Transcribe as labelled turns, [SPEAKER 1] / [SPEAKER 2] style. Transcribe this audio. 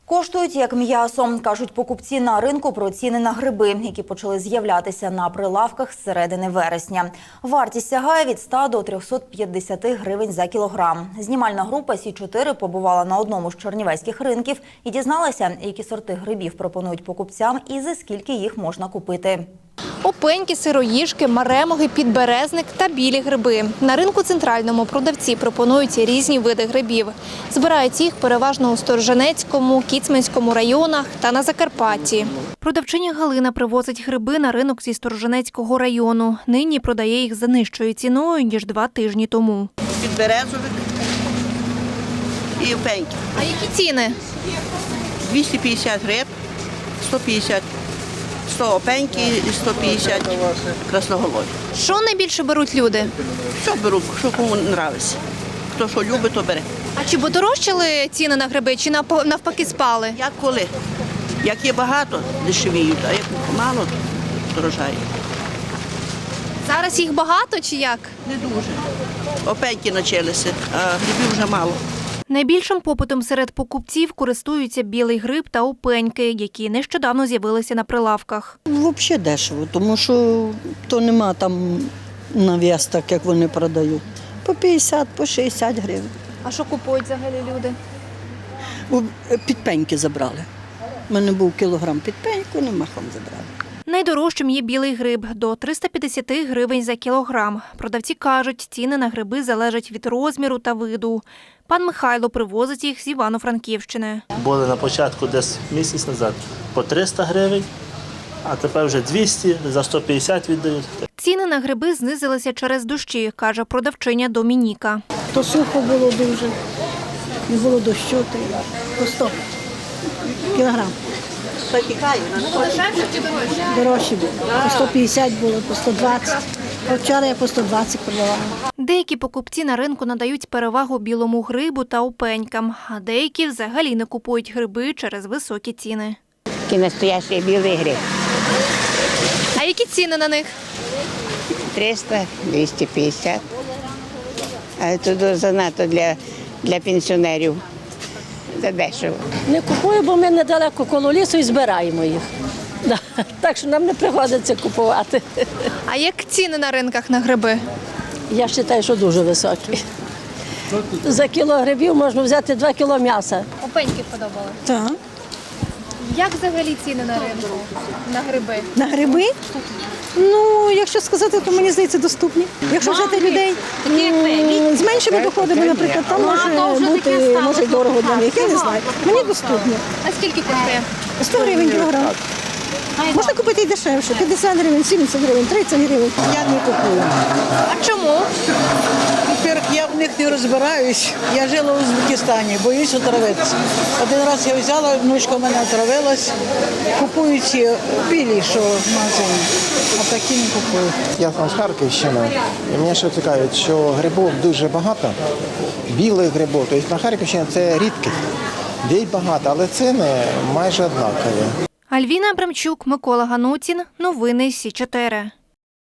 [SPEAKER 1] Коштують як м'ясо, кажуть покупці на ринку про ціни на гриби, які почали з'являтися на прилавках з середини вересня. Вартість сягає від 100 до 350 гривень за кілограм. Знімальна група Сі-4 побувала на одному з чернівецьких ринків і дізналася, які сорти грибів пропонують покупцям і за скільки їх можна купити.
[SPEAKER 2] Опеньки, сироїжки, маремоги, підберезник та білі гриби. На ринку центральному продавці пропонують різні види грибів. Збирають їх переважно у Сторожинецькому, Кіцманському районах та на Закарпатті. Продавчиня Галина привозить гриби на ринок зі Сторожинецького району. Нині продає їх за нижчою ціною, ніж 2 тижні тому.
[SPEAKER 3] Підберезовик і опеньки.
[SPEAKER 2] А які ціни?
[SPEAKER 3] 250 гриб, 150 100 опеньки і 150 красноголові.
[SPEAKER 2] Що найбільше беруть люди?
[SPEAKER 3] Що беруть, що кому подобається. Хто що любить, то бере.
[SPEAKER 2] А чи подорожчали ціни на гриби, чи навпаки спали?
[SPEAKER 3] Як коли? Як є багато, дешевіють, а як мало, дорожає.
[SPEAKER 2] Зараз їх багато чи як?
[SPEAKER 3] Не дуже. Опеньки почалися, а грибів вже мало.
[SPEAKER 2] Найбільшим попитом серед покупців користуються білий гриб та опеньки, які нещодавно з'явилися на прилавках.
[SPEAKER 4] Взагалі дешево, тому що то нема там нав'яз, так як вони продають. По 50, по 60 гривень.
[SPEAKER 2] А що купують взагалі люди?
[SPEAKER 4] Підпеньки забрали. У мене був кілограм підпеньку, не махом забрали.
[SPEAKER 2] Найдорожчим є білий гриб – до 350 гривень за кілограм. Продавці кажуть, ціни на гриби залежать від розміру та виду. Пан Михайло привозить їх з Івано-Франківщини.
[SPEAKER 5] Були на початку десь місяць назад по 300 гривень, а тепер вже 200, за 150 віддають.
[SPEAKER 2] Ціни на гриби знизилися через дощі, каже продавчиня Домініка.
[SPEAKER 6] То сухо було дуже, не було дощу, то й по 100 кілограм.
[SPEAKER 2] Дешевше чи дорожче?
[SPEAKER 6] Дорожчі було. По 150 було, по 120. А вчора я по 120 продавала.
[SPEAKER 2] Деякі покупці на ринку надають перевагу білому грибу та опенькам, а деякі взагалі не купують гриби через високі ціни.
[SPEAKER 7] Такий настоящий білий гриб.
[SPEAKER 2] А які ціни на них?
[SPEAKER 7] 300, 250. Але це занадто для пенсіонерів. Це дешево.
[SPEAKER 8] Не купую, бо ми недалеко коло лісу і збираємо їх. Так що нам не приходиться купувати.
[SPEAKER 2] А як ціни на ринках на гриби?
[SPEAKER 8] Я вважаю, що дуже високі. За кіло грибів можна взяти 2 кіло м'яса.
[SPEAKER 2] Опеньки подобали.
[SPEAKER 6] Так.
[SPEAKER 2] Як взагалі ціни на ринку на гриби?
[SPEAKER 6] На гриби? Ну, якщо сказати, то мені здається доступні. Якщо взяти людей з меншими доходами, наприклад, там може бути, може й дорого для них, я не знаю. Мені доступні.
[SPEAKER 2] А скільки коштує?
[SPEAKER 6] 100 гривень кілограм. Можна купити і дешевше, 50 гривень, 70 гривень, 30 гривень.
[SPEAKER 9] Я не купую.
[SPEAKER 2] А чому?
[SPEAKER 9] Во-первых, я в них не розбираюсь. Я жила в Узбекистані, боюсь отравитися. Один раз я взяла, внучка в мене отравилась. Купую ці білі, що в магазині, а такі не купую.
[SPEAKER 10] Я сам з Харківщини, і мене ще цікавить, що грибів дуже багато, білих грибів. Тобто на Харківщині це рідкість. Є багато, але ціни майже однакові.
[SPEAKER 2] Альвіна Абрамчук, Микола Ганутін. Новини Сі-4.